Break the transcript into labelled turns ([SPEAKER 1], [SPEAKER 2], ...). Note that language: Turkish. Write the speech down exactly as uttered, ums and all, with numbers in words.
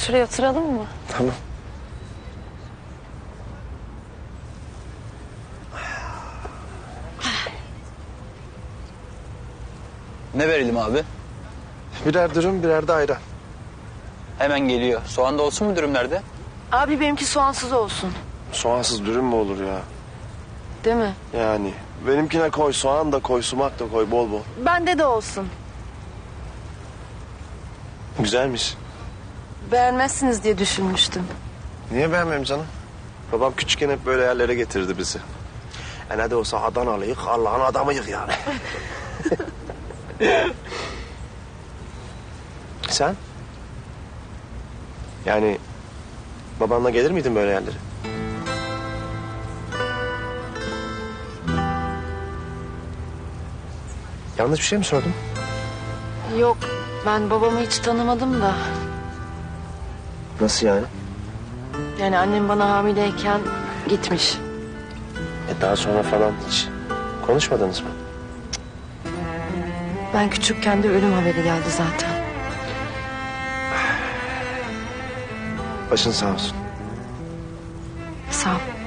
[SPEAKER 1] şuraya oturalım mı?
[SPEAKER 2] Tamam.
[SPEAKER 3] Ne verelim abi?
[SPEAKER 2] Birer dürüm, birer de ayran.
[SPEAKER 3] Hemen geliyor. Soğan da olsun mu dürümlerde?
[SPEAKER 1] Abi benimki soğansız olsun.
[SPEAKER 2] Soğansız dürüm mü olur ya?
[SPEAKER 1] Değil mi?
[SPEAKER 2] Yani benimkine koy, soğan da koy, sumak da koy bol bol.
[SPEAKER 1] Bende de olsun.
[SPEAKER 2] Güzelmiş.
[SPEAKER 1] Beğenmezsiniz diye düşünmüştüm.
[SPEAKER 2] Niye beğenmem canım? Babam küçükken hep böyle yerlere getirdi bizi. E ne de olsa Adanalıyık, Allah'ın adamıyık yani. Sen? Yani babanla gelir miydin böyle yerlere? Yanlış bir şey mi sordum?
[SPEAKER 1] Yok, ben babamı hiç tanımadım da.
[SPEAKER 2] Nasıl yani?
[SPEAKER 1] Yani annem bana hamileyken gitmiş.
[SPEAKER 2] E daha sonra falan hiç konuşmadınız mı?
[SPEAKER 1] Ben küçükken de ölüm haberi geldi zaten.
[SPEAKER 2] Başın sağ olsun.
[SPEAKER 1] Sağ ol.